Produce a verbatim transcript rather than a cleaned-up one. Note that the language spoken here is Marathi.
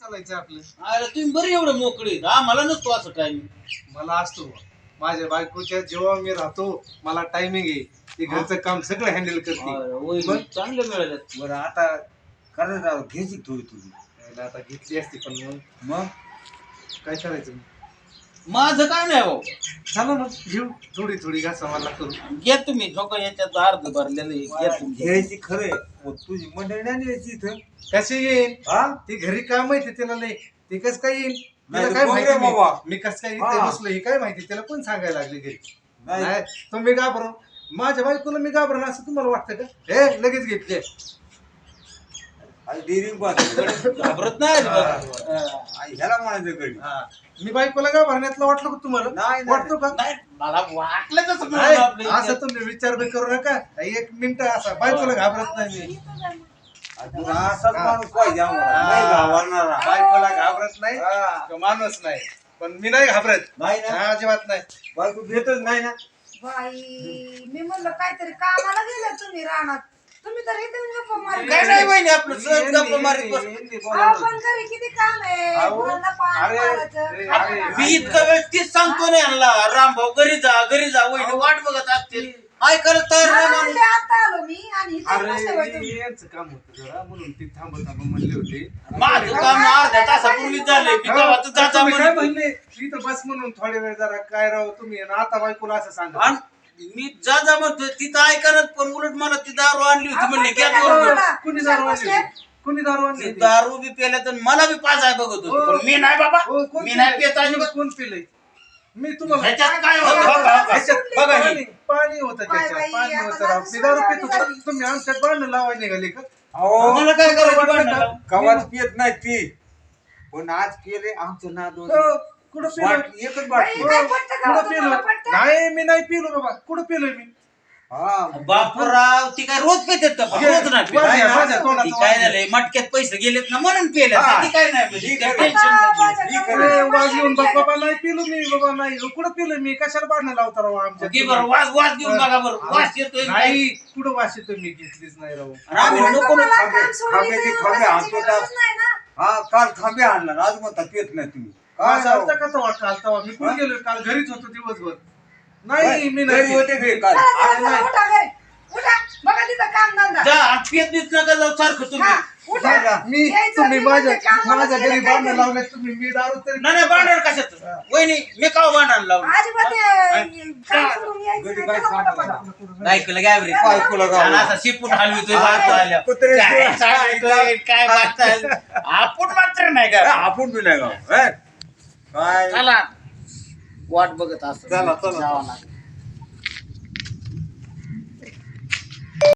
चालायचं आपलं. अरे तुम्ही बरी एवढं मोकळे आम्हाला नसतो असं टायमिंग. मला असतो माझ्या बायकोच्या जेव्हा मी राहतो मला टायमिंग आहे. ते घरचं काम सगळं हँडल करते. मग चांगलं मिळालं. बरं आता खरं राव घ्यायची थोडी थोडी. यायला आता घेतली असती पण मग मग काय करायचं. माझं काय नाही भाऊ. चला मग घेऊ थोडी थोडी घासा मला करू. घ्या तुम्ही झोका याच्यात अर्ध भरलेलं आहे. घ्या तुम्ही. घ्यायची खरंय मग तुझी मंडळी नाही यायची इथं. कसे येईन हा ती घरी काय माहिती त्याला लय ते कस काय येईन नाही तिला तर काय बघ रे माहिती बाबा. मी- मी कस काय इथे हा. बसलो हे काय माहिती त्याला पण सांगायला लागले घरी. नाही नाही तुम्ही घाबरून माझ्या बायकोला मी घाबरण असं तुम्हाला वाटतं का. हे लगेच घेतले आई डेअरिंग पाहतो घाबरत नाही अजिबात. ह्याला म्हणायचं घरी. हा. मी बायकोला घाबरण्यातलं वाटलं का तुम्हाला नाही, नाही. वाटतो का नाही मला वाटलं तसं नाही, मिळालं आपलं असं इथे. तुम्ही विचार बी करू नका. एक मिनिट असा बायकोला घाबरत नाही मी. तुला असाच माणूस पाहिजे आम्हाला. नाही घाबरणारा. बायकोला घाबरत नाही हा. तो माणूस नाही पण मी नाही घाबरत. नाही ना हा, अजिबात नाही. बायको देतच नाही ना. बाई मी म्हणलं काहीतरी कामाला गेले तुम्ही रानात. तुम्ही तर इथे गप्पा मारत काय नाही बहिणी आपलं सहज गप्पा मारीत बस. हिंदी अहो, बोला. पण घरी किती काम आहे अहो, मुलांना पाणी अरे, मारायचं, अरे, खायला अरे, मी घालायचं. इतका वेळ तीच सांगतो ना यांना रामभाऊ घरी जा घरी जा वहिनी वाट बघत असतील ऐकायला तयार नाही मला माणूस. म्हणले आता आलो मी आणि इथे बसले बाई अरे तुम्ही. यांचं काम होतं जरा म्हणून ती थांबत थांबत म्हणले होते. माझं काम अर्ध्या तासापूर्वी झालंय मी तेव्हा तर जाता तुम्ही काय म्हणून. म्हणले इथं बस म्हणून थोडे वेळ जरा काय राव तुम्ही आणि आता बायकोला असं सांगा. आणि मी जा जा म्हणतोय तिथं ऐकायला पण उलट मला ती दारू आणली होती म्हणले आपण घ्या केलं बरोबर. बोला. कुणी कुशाल दारू बसले. आणली होती? कुणी दारू आणली ती होती? दारू बी पेल्या तर मला बी पाजाय बघत होती हो. पण मी नाही बाबा हो, कोण मी नाही पिलंय? पेत अजिबात. कोण पिलंय मी तुम्हाला ह्याच्यात काय होतं बघा, बघा. ह्याच्यात बघा हे. पाणी पाणी होतं काय त्याच्यात बाई, पाणी आता होतं राव. माझं मी दारू सोडलं पितो झाली. तुम्ही आमच्यात भांडण लावायला निघाले का. अहो मला काय करायचं वाटलं भांडणाला? का? कवाच पियत नाही ती पण आज केले आमचं नाद हो, कुठं पिलो वाट एकच बाई, बाटली. काय पटतं का कुठं पिलो तुम्हाला पटतं? नाही मी नाही पिलो बाबा. कुठं पिलोय मी. हा बापूराव ती काय रोज पेतात का घे, रोज नाही पेत. माझ्या- नाही, माझ्या नाही. तोंडाचं ती काय वास घे. झालंय मटक्यात पैसे गेलेत ना म्हणून पेल्या हा. ती काय नाही पेली. ठीक त्या आहे. टेन्शन आता नाही. माझ्या ठीक नवऱ्याला आहे. ए, वाज घेऊन बघ पैसे बाबा नाही पिलो मी बाबा नाही कुठं पिलो मी कशाला भांडण लावता राव आमच्या घे बरं वास वास घेऊन बघा बरं वास येतोय नाही कुठं वास येतो मी घेतलीच नाही राव. आणि आम्ही पण नको तुम्हाला खांबे- काम सोडून खांबे- इथे येऊन खांबे बसायची आणतो गरजच नाही ना. हा काल खांबे आणला आज म्हणता पियत नाही तुम्ही काय काय राव? चालतं का तवा काल तवा मी कुठे गेलो काल घरीच होतो दिवसभर. नाही मी घरी नाही होते घरी काल चला, चला, अरे चला, नाही. उठा घरी. उठा. बघा तिथं काम धंदा. जा आणि पेत बीत नका जाऊ सारखं तुम्ही हा, उठा. जा. मी यायचं तुम्ही नाही माझ्या म्हणजे कामाला माझ्या घरी गेलं काय भांडण घरी? लावले तुम्ही मी दारू तरी नाही नाही भांडण कशात वहिनी मी का भांडण लावलं अजिबात ते काम सोडून यायचं घरी नाही. काय चला, सांगू पटा, नका. पटा. ऐकलं काय बरे काय ऐकलं का? आणि असा शिपूट हलवितोय बाहेर आल्या कुत्रे- काय सांगतोय, काय बागताय आपण मात्र नाही ए, का आपण बी नाही गाव ए? काय चला वाट बघत असतो चला, चला. जावं लागेल.